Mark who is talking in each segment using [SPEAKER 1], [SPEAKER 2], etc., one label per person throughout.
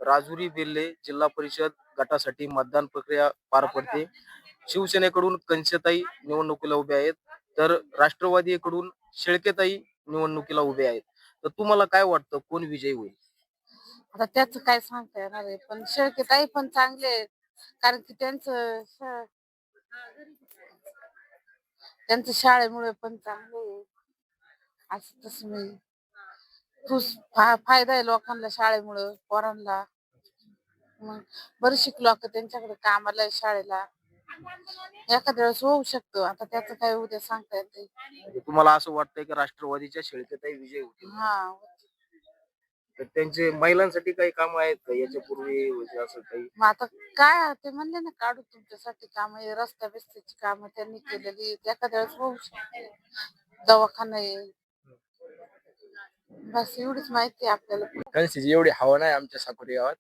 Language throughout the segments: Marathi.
[SPEAKER 1] राजुरी बेल्ले जिल्हा परिषद गटासाठी मतदान प्रक्रिया पार पडते. शिवसेनेकडून कंचताई निवडणुकीला उभे आहेत, तर राष्ट्रवादीकडून शेळकेताई निवडणुकीला उभे आहेत. तर तुम्हाला काय वाटतं कोण विजयी होईल?
[SPEAKER 2] आता त्याचं काय सांगता येणार आहे, पण शेळकेताई पण चांगले आहेत. कारण की त्यांचं शाळेमुळे पण चांगले आहे. असं तसं नाही. फायदा आहे लोकांना शाळेमुळं, पोरांना. मग बरेच लोक त्यांच्याकडे कामाला आहे, शाळेला. एखाद्या वेळेस होऊ शकतो. आता त्याचं काय उद्या सांगता येत नाही.
[SPEAKER 1] म्हणजे तुम्हाला असं वाटतंय की राष्ट्रवादीच्या शेळकेताई विजयी होतील?
[SPEAKER 2] हा.
[SPEAKER 1] तर त्यांचे महिलांसाठी काही काम आहेत का याच्यापूर्वी म्हणजे असं काही?
[SPEAKER 2] मग आता काय ते म्हणले ना, काढू तुमच्यासाठी काम, रस्ता बिस्त्याची कामं त्यांनी केलेली आहेत. एखाद्या वेळेस होऊ शकते. दवाखाना आहे. बस एवढीच माहिती आहे आपल्याला.
[SPEAKER 3] कणसीची एवढी हवा नाही आमच्या साकोरी गावात,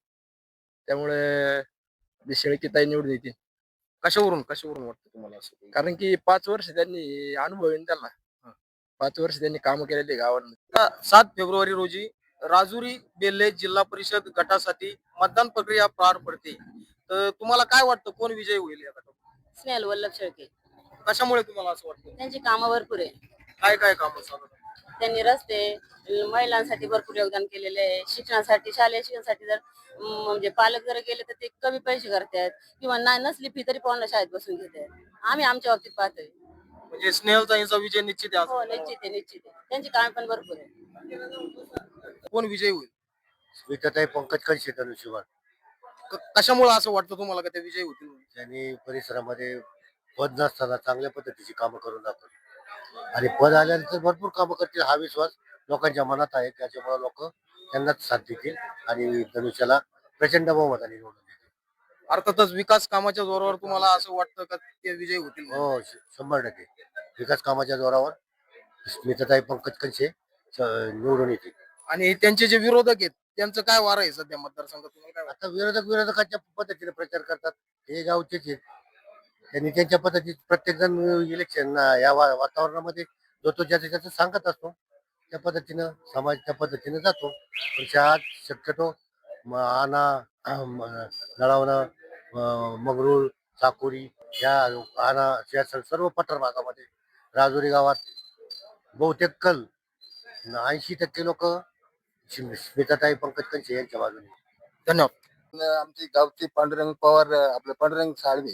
[SPEAKER 3] त्यामुळे शेळकेताई निवडून येते.
[SPEAKER 1] कशावरून वाटतं तुम्हाला असं काही?
[SPEAKER 3] कारण की 5 वर्ष त्यांनी अनुभव आहे ना त्यांना. 5 वर्ष त्यांनी कामं केलेली गावांमध्ये.
[SPEAKER 1] 7 फेब्रुवारी रोजी राजुरी बेल्ले जिल्हा परिषद गटासाठी मतदान प्रक्रिया पार पडते. तर तुम्हाला काय वाटतं कोण विजयी होईल या गटात?
[SPEAKER 4] स्नेहल वल्लभ शेळके.
[SPEAKER 1] कशामुळे तुम्हाला असं वाटतं?
[SPEAKER 4] त्यांची कामं भरपूर आहे.
[SPEAKER 1] काय काय कामं चालू आहेत?
[SPEAKER 4] त्यांनी रस्ते, महिलांसाठी भरपूर योगदान केलेले आहे. शिक्षणासाठी, शालेय शिक्षणासाठी जर म्हणजे पालक जर गेले तर ते कमी पैसे करतात किंवा नसली फी तरी पोरांना शाळेत बसून घेतात. आम्ही आमच्या बाबतीत पाहतोय.
[SPEAKER 1] म्हणजे स्नेहलताईंचा विजय निश्चित आहे असं
[SPEAKER 4] हो,
[SPEAKER 1] तुम्हाला
[SPEAKER 4] निश्चित आहे, निश्चित आहे. त्यांची कामे पण भरपूर आहे.
[SPEAKER 1] वाटतं? कोण विजयी होईल?
[SPEAKER 5] स्मिताताई पंकज कळशे धनुष्यबाण.
[SPEAKER 1] कशामुळे असं वाटतं तुम्हाला का ते विजयी होतील म्हणून?
[SPEAKER 5] त्यांनी परिसरामध्ये पद नसताना चांगल्या पद्धतीची कामं करून दाखवली आणि पद आल्यानंतर भरपूर कामं करतील हा विश्वास लोकांच्या मनात आहे. त्याच्यामुळे लोक त्यांनाच साथ देतील आणि धनुष्याला प्रचंड बहुमताने निवडून देतील.
[SPEAKER 1] अर्थातच विकास कामाच्या जोरावर तुम्हाला असं वाटतं का ते विजयी होतील म्हणून?
[SPEAKER 5] हो, 100% विकास कामाच्या जोरावर स्मिताताई पंकज कळशे निवडून येतील.
[SPEAKER 1] आणि त्यांचे जे विरोधक आहेत त्यांचं काय वार आहे सध्या मतदारसंघात तुम्हाला काय वाटतं?
[SPEAKER 5] आता विरोधकांच्या पद्धतीने प्रचार करतात. हे गावचेच आहेत. त्यांनी त्यांच्या पद्धतीत प्रत्येक जण इलेक्शन या वातावरणामध्ये जो ज्याचं सांगत असतो त्या पद्धतीनं समाज त्या पद्धतीनं जातो. पण शहरात शक्यतो आणा नळावणं मंगरूळ साकोरी या आणा या सर्व पठार भागामध्ये राजुरी गावात बहुतेक कल 80% लोक स्मिताताई पंकज कळशे यांच्या बाजूने.
[SPEAKER 1] धन्यवाद.
[SPEAKER 6] आमचे गावचे पांडुरंग पवार, आपले पांडुरंग साळवे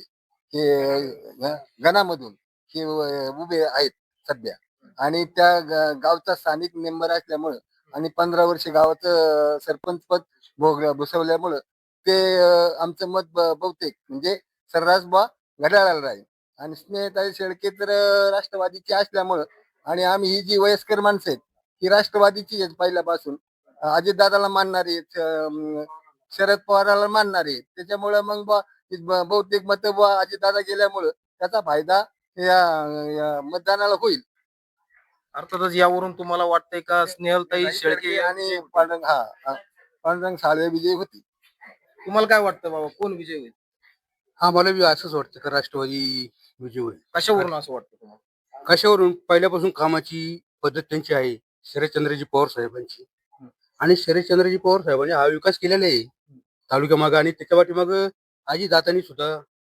[SPEAKER 6] हे गणामधून हे उभे आहेत सध्या. आणि त्या गावचा स्थानिक मेंबर असल्यामुळं आणि 15 वर्ष गावाचं सरपंच पद भूषवल्यामुळं ते आमचं मत बहुतेक म्हणजे सर्रास घड्याळाला राहील. आणि स्नेहताई शेळके तर राष्ट्रवादीची असल्यामुळं आणि आम्ही ही जी वयस्कर माणसं आहेत ही राष्ट्रवादीची आहेत पहिल्यापासून. अजितदादाला मानणारी आहेत, शरद पवाराला मानणारे, त्याच्यामुळे मग बहुतेक मत अजितदादा गेल्यामुळं त्याचा फायदा या मतदानाला होईल.
[SPEAKER 1] अर्थातच यावरून तुम्हाला वाटतंय का स्नेहलताई शेळके
[SPEAKER 6] आणि पांडुरंग साळवे विजयी होती.
[SPEAKER 1] तुम्हाला काय वाटतं बाबा कोण विजयी होईल?
[SPEAKER 3] हा, मला बी असंच वाटतं का राष्ट्रवादी विजय होईल.
[SPEAKER 1] कशावरून असं वाटतं तुम्हाला?
[SPEAKER 3] कशावरून? पहिल्यापासून कामाची पद्धत त्यांची आहे, शरदचंद्रजी पवार साहेबांची. आणि शरदचंद्रजी पवार साहेबांनी हा विकास केलेला आहे तालुक्या मागं, आणि त्याच्या पाठीमाग आजीदादांनी सुद्धा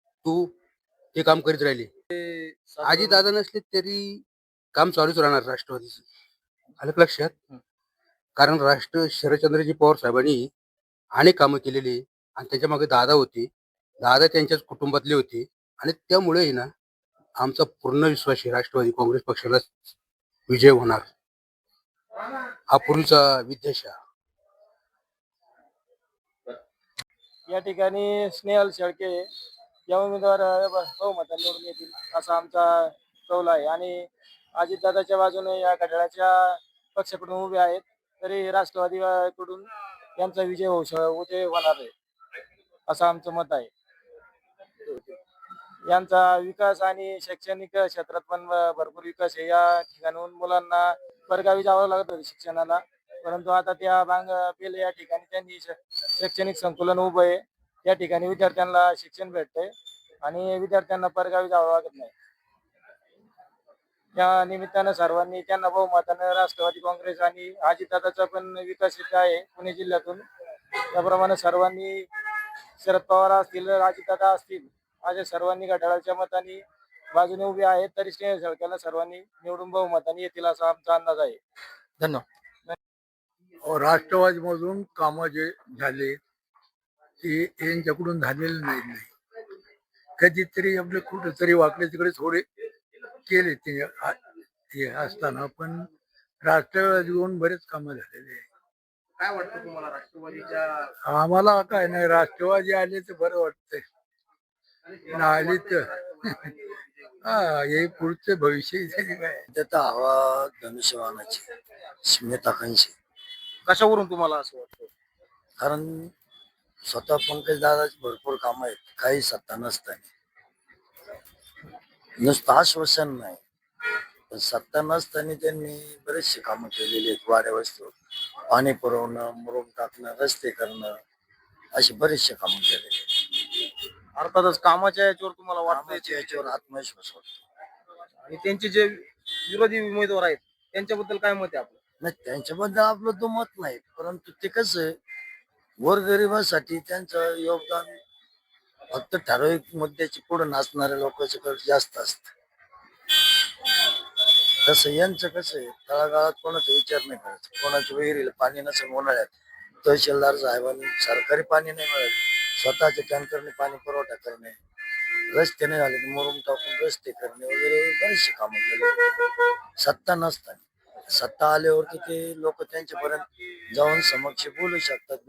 [SPEAKER 3] ते काम करीत राहिले. आजीदादा नसले तरी काम चालूच राहणार राष्ट्रवादीचं. आलं का लक्षात? कारण शरदचंद्रजी पवार साहेबांनी अनेक कामं केलेली आणि त्याच्या मागे दादा होते, दादा त्यांच्याच कुटुंबातले होते. आणि त्यामुळे ना आमचा पूर्ण विश्वास आहे राष्ट्रवादी काँग्रेस पक्षाला विजय होणार. हा पूर्वीचा विद्याशा.
[SPEAKER 7] या ठिकाणी स्नेहल शेळके या उमेदवार बहुमताने निवडून येतील असा आमचा कौल आहे. आणि अजितदादाच्या बाजूने या घड्याळाच्या पक्षाकडून उभे आहेत, तरी राष्ट्रवादीकडून यांचा विजय होणार आहे असं आमचं मत आहे. यांचा विकास आणि शैक्षणिक क्षेत्रात पण भरपूर विकास आहे. या ठिकाणून मुलांना परगावी जावं लागत होतं शिक्षणाला, परंतु आता त्या बेल या ठिकाणी त्यांनी शैक्षणिक संकुलन उभं आहे. या ठिकाणी विद्यार्थ्यांना शिक्षण भेटतंय आणि विद्यार्थ्यांना परगावी जावं लागत नाही. या निमित्तानं सर्वांनी त्यांना बहुमतानं राष्ट्रवादी काँग्रेस आणि अजितदादाचा पण विकास इथे आहे पुणे जिल्ह्यातून, त्याप्रमाणे सर्वांनी शरद पवार असतील अजितदादा असतील अशा सर्वांनी घड्याळाच्या मताने बाजूने उभे आहेत तरी स्नेहल शेळकेला सर्वांनी निवडून बहुमताने येतील असा आमचा अंदाज आहे.
[SPEAKER 1] धन्यवाद.
[SPEAKER 8] राष्ट्रवादीमधून कामं जे झाले ते यांच्याकडून झालेले नाही. कधीतरी आपले कुठेतरी वाकडे तिकडे थोडे केले ते हे असताना, पण राष्ट्रवादीहून बरेच कामं झालेले आहे.
[SPEAKER 1] काय वाटतं तुम्हाला राष्ट्रवादीच्या
[SPEAKER 8] आम्हाला काय नाही, राष्ट्रवादी आले तर बरं वाटतंय, आली तर हा हे पुढचं भविष्य तरी काय.
[SPEAKER 5] त्याचा हवा धनुष्यबाणाची स्मिताकांची,
[SPEAKER 1] कशावरून तुम्हाला असं वाटतं?
[SPEAKER 5] कारण स्वतः पंकज दादाची भरपूर कामं आहेत, काही सत्ता नसताना. नुसतं आश्वासन नाही, पण सत्ता नसताना त्यांनी बरेचसे कामं केलेली आहेत. वाड्या वस्तू, पाणी पुरवणं, मुरुम टाकणं, रस्ते करणं, अशी बरेचसे कामं केलेली आहेत.
[SPEAKER 1] अर्थातच कामाच्या याच्यावर तुम्हाला
[SPEAKER 5] कामाच्या
[SPEAKER 1] वाटतं
[SPEAKER 5] याच्यावर आत्मविश्वास वाटतो.
[SPEAKER 1] आणि त्यांचे जे विरोधी उमेदवार आहेत त्यांच्याबद्दल काय मत आहे आपलं?
[SPEAKER 5] नाही, त्यांच्याबद्दल आपलं तो मत नाही, परंतु ते कसं आहे, गोरगरिबासाठी त्यांचं योगदान फक्त ठराविक मुद्द्याची पुढे नाचणाऱ्या लोकांच्याकडे जास्त असतं. तसं यांचं कसं आहे, तळागाळात कोणाचा विचार नाही करायचा. कोणाच्या विहिरीला पाणी नसेल उन्हाळ्यात, तहसीलदार साहेबांनी सरकारी पाणी नाही मिळालं, स्वतःच्या टँकरने पाणी पुरवठा करणे, रस्ते नाही झाले मुरुम टाकून रस्ते करणे वगैरे बरेचसे कामं केले सत्ता नसताना. सत्ता आल्यावरती ते लोक त्यांच्यापर्यंत जाऊन समक्ष बोलू शकतात.